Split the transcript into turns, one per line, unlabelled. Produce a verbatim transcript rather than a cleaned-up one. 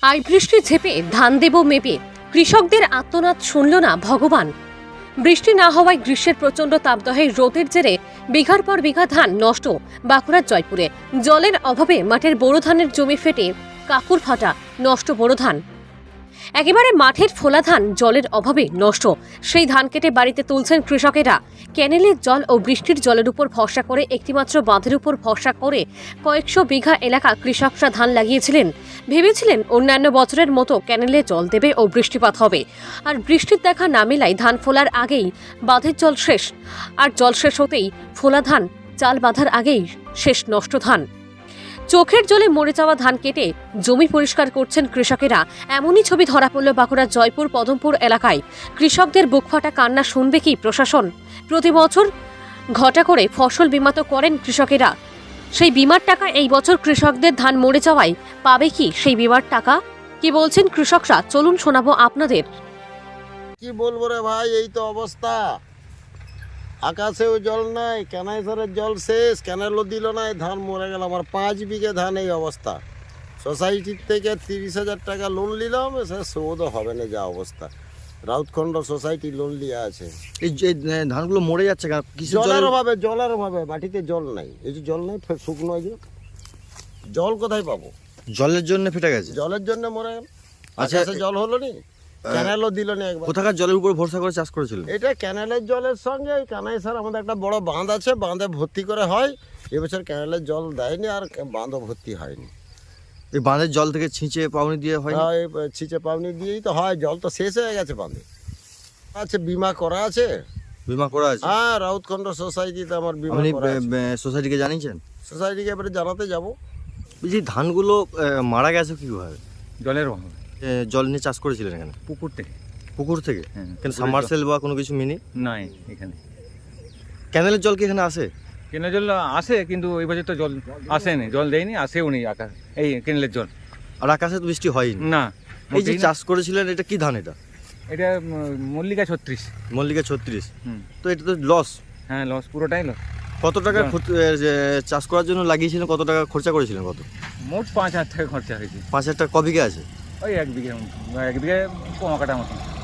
I বৃষ্টি ঝেপে ধান দেব মেপে কৃষকদের আর্তনাদ শুনল না ভগবান। বৃষ্টি না হওয়ায় গ্রীষ্মের প্রচণ্ড তাপদাহে রোদের জেরে বিঘার পর বিঘা ধান নষ্ট বাঁকুড়ার জয়পুরে। জলের অভাবে মাঠের বোরো ধানের জমি ফেটে কাকুর ফাটা নষ্ট বোরো ধান। একেবারে মাঠের ফোলা ধান জলের অভাবে নষ্ট। সেই ধান কেটে বাড়িতে তুলছেন কৃষকেরা। ক্যানেলের জল ও বৃষ্টির জলের উপর ভরসা করে একটিমাত্র বাঁধের উপর ভরসা করে কয়েকশো বিঘা এলাকা কৃষকরা ধান লাগিয়েছিলেন। ভেবেছিলেন অন্যান্য বছরের মতো ক্যানেলে জল দেবে ও বৃষ্টিপাত হবে, আর বৃষ্টির দেখা না মেলায় ধান ফোলার আগেই বাঁধের জল শেষ। আর জল শেষ হতেই ফোলা ধান চাল বাঁধার আগেই শেষ নষ্ট ধান। চোখের জলে মরে যাওয়া ধান কেটে জমি পরিষ্কার করছেন কৃষকেরা। এমনই ছবি ধরা পড়ল বাঁকুড়ার জয়পুর পদমপুর এলাকায়। কৃষকদের বুকফাটা কান্না শুনবে কি প্রশাসন? প্রতি বছর ঘটা করে ফসল বিমা তো করেন কৃষকেরা। সেই বিমার টাকা এই বছর কৃষকদের ধান মরে যাওয়ায় পাবে কি সেই বিমার টাকা? কি বলছেন কৃষকরা, চলুন শোনাবো আপনাদের।
কি বলবো রে ভাই, এই তো অবস্থা। আকাশেও জল নাই, ক্যানাইসারের জল শেষ, ক্যানেলও দিল না, ধান মরে গেল। আমার পাঁচ বিঘে ধান এই অবস্থা। সোসাইটির থেকে তিরিশ হাজার টাকা লোন নিলাম, সে শোধও হবে না যা অবস্থা। রাউতখণ্ড সোসাইটি লোন নিয়ে আছে।
এই যে ধানগুলো মরে যাচ্ছে কেন? কিসের
জলের
জলের
অভাবে, জলের অভাবে মাটিতে জল নাই। এই যে জল নেই, ফের শুকনো এই যে জল কোথায় পাবো?
জলের জন্য ফেটে গেছে।
জলের জন্য মরে গেল।
আচ্ছা,
আকাশে জল হলো নি, ক্যানেলও দিল না একবার।
কোথাকার জলের উপর ভরসা করে চাষ করেছিল?
এটা ক্যানেলের জলের সঙ্গে এই কানাইসার আমাদের একটা বড় বাঁধ আছে, বাঁধে ভর্তি করে হয়। এবছর ক্যানেলের জল দেয়নি আর বাঁধও ভর্তি হয়নি।
এই বাঁধের জল থেকে ছিঁচে পাউনি দিয়ে হয়?
হ্যাঁ, এই ছিচে পাওনি দিয়েই তো হয়। জল তো শেষ হয়ে গেছে বাঁধে। আছে বিমা করা আছে।
বিমা করা আছে?
হ্যাঁ, রাউতখণ্ড সোসাইটিতে আমার বিমা
আপনি
করা আছে।
সোসাইটিকে জানিয়েছেন?
সোসাইটিকে এবারে জানাতে যাব।
বলছি ধানগুলো আহ, মারা গেছে কিভাবে?
জলের অভাব।
এ, জল নিয়ে চাষ করেছিলেন এখানে?
পুকুর থেকে।
পুকুর থেকে?
হ্যাঁ,
কেন
পুকুরের
সাবমার্সেল বা কোনো কিছু মিনি?
জল নাই এখানে।
ক্যানেলের জল কি এখানে আসে?
কেনেলের জল আসে, কিন্তু এই বছর তো জল আসেনি, জল দেয়নি, আসেও নি আকাশ এই কেনেলের জল।
আর আকাশে তো বৃষ্টি হয়নি।
না,
এই যে
মোটেই না।
চাষ করেছিলেন, এটা কি ধান? এটা
এটা উম, মল্লিকা ছত্রিশ।
মল্লিকা ছত্রিশ।
হুম।
তো এটা তো লস।
হ্যাঁ, লস, পুরোটাই লস।
কত টাকা
না।
ক্ষতি- এ, যে চাষ করার জন্য লাগিয়েছিলেন? কত টাকা খরচা করেছিলেন? কত?
মোট পাঁচ হাজার টাকা খরচা হয়েছে।
পাঁচ হাজার টাকা ক বিঘা আছে?
ওই এক বিঘে মতো, এক বিঘে কমা কাটা মতো।